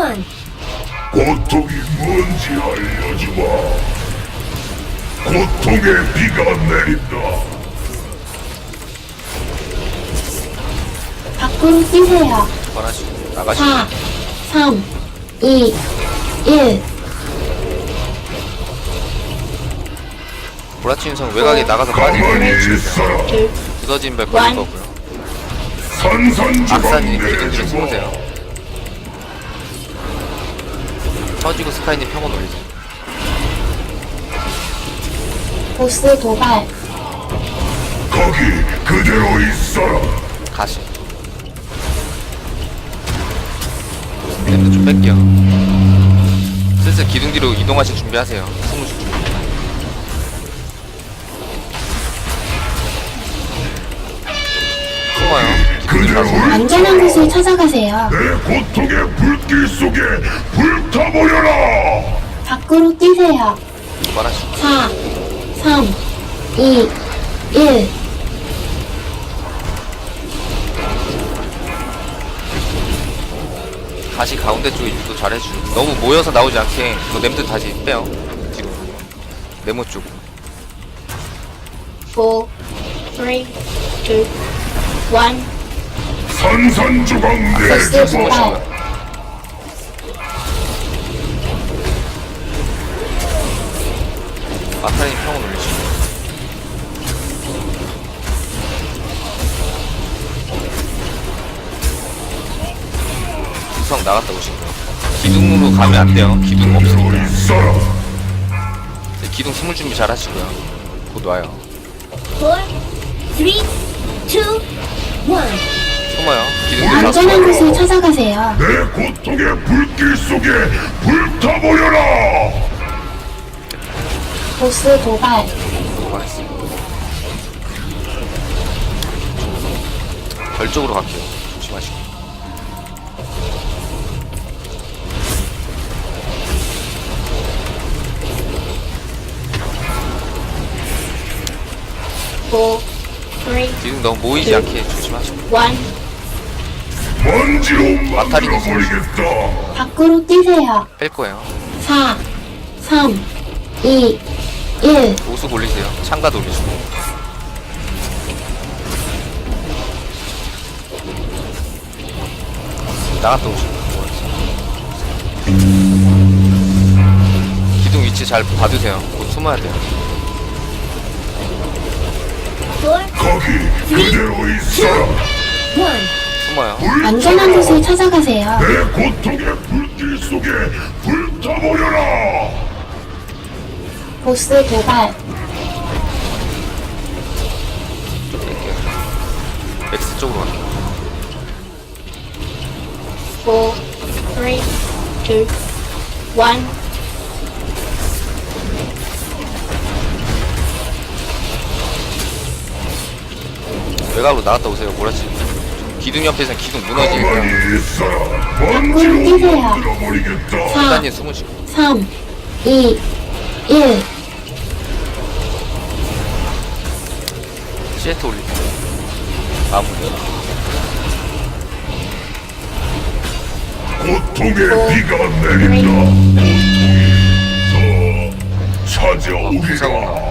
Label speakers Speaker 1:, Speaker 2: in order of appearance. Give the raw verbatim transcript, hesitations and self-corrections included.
Speaker 1: one.
Speaker 2: 고통이 뭔지 알려주마. 고통의 비가 내린다.
Speaker 1: 밖으로 뛰세요.
Speaker 3: 그만하시고 나가시고.
Speaker 1: 사, 삼, 이, 일.
Speaker 3: 보라치인성 외곽에 나가서 빠지고
Speaker 2: 가만히 있어라.
Speaker 1: 둘,
Speaker 3: 부서진 발 걸릴 거고요.
Speaker 2: 산산조각
Speaker 3: 악사님 기둥 뒤로
Speaker 2: 내주마.
Speaker 3: 숨으세요. 터지고 스카이님 평온 올리세요.
Speaker 1: 보스 도발.
Speaker 2: 거기 그대로 있어라.
Speaker 3: 가시. 램드 좀 뺄게요. 슬슬 기둥 뒤로 이동하실 준비하세요. 숨으실 준비. 숨어요. 기둥 뒤로
Speaker 2: 그대로
Speaker 3: 가서.
Speaker 1: 안전한 곳을 찾아가세요.
Speaker 2: 내 고통의 불길 속에 불타버려라.
Speaker 1: 밖으로 뛰세요.
Speaker 3: 말하시고.
Speaker 1: 사, 삼, 이, 일.
Speaker 3: 다시 가운데 쪽에 유도 잘해주고. 너무 모여서 나오지 않게 그 램드 다시 빼요. 뒤로. 네모 쪽.
Speaker 1: 사, 삼, 이, 일.
Speaker 2: 산산조각
Speaker 1: 보스
Speaker 2: 내주마.
Speaker 1: 도발.
Speaker 3: 마타님 평온 올리시고. 구성 나갔다 오시고요. 기둥으로 가면 안 돼요. 기둥 없으니까.
Speaker 2: 있어라.
Speaker 3: 네, 기둥 숨을 준비 잘 하시고요. 곧 와요.
Speaker 1: 사, 삼, 이, 일.
Speaker 3: 숨어요. 기둥 뒤로
Speaker 1: 안전한
Speaker 3: 가서.
Speaker 1: 곳을 찾아가세요.
Speaker 2: 내 고통의 불길 속에 불타버려라.
Speaker 1: 보스 도발.
Speaker 3: 가겠습니다. 별 쪽으로 갈게요. 조심하시고.
Speaker 1: 사, 삼,
Speaker 3: 기둥 너무 모이지 않게 조심하시고.
Speaker 1: 일.
Speaker 2: 먼지로
Speaker 3: 마타리는
Speaker 2: 만들어버리겠다.
Speaker 1: 밖으로 뛰세요.
Speaker 3: 뺄 거예요.
Speaker 1: 사, 삼, 이, 일.
Speaker 3: 오수 올리세요. 창가 돌리시고. 나갔다 오시고. 기둥 위치 잘 봐두세요. 곧 숨어야 돼요.
Speaker 2: 거기 그대로 있어라.
Speaker 3: 숨어요.
Speaker 1: 안전한 곳을 찾아가세요.
Speaker 2: 내 고통의 불길 속에 불타버려라.
Speaker 1: 보스 도발.
Speaker 3: 좀 뺄게요. 맥스 쪽으로 갈게요.
Speaker 1: 사, 삼, 이, 일.
Speaker 3: 외곽으로 나갔다 오세요. 뭐라지? 기둥 옆에서는 기둥 무너지니까.
Speaker 2: 가만히 있어라.
Speaker 1: 뛰세요.
Speaker 2: 먼지로 만들어버리겠다.
Speaker 1: 사,
Speaker 3: 일단님 숨으시고.
Speaker 1: 삼, 이, 일.
Speaker 3: 시에트 올리고. 마무리.
Speaker 2: 고통의 비가 내린다. 고통이 더
Speaker 3: 어, 불쌍하다.
Speaker 2: 찾아오리라.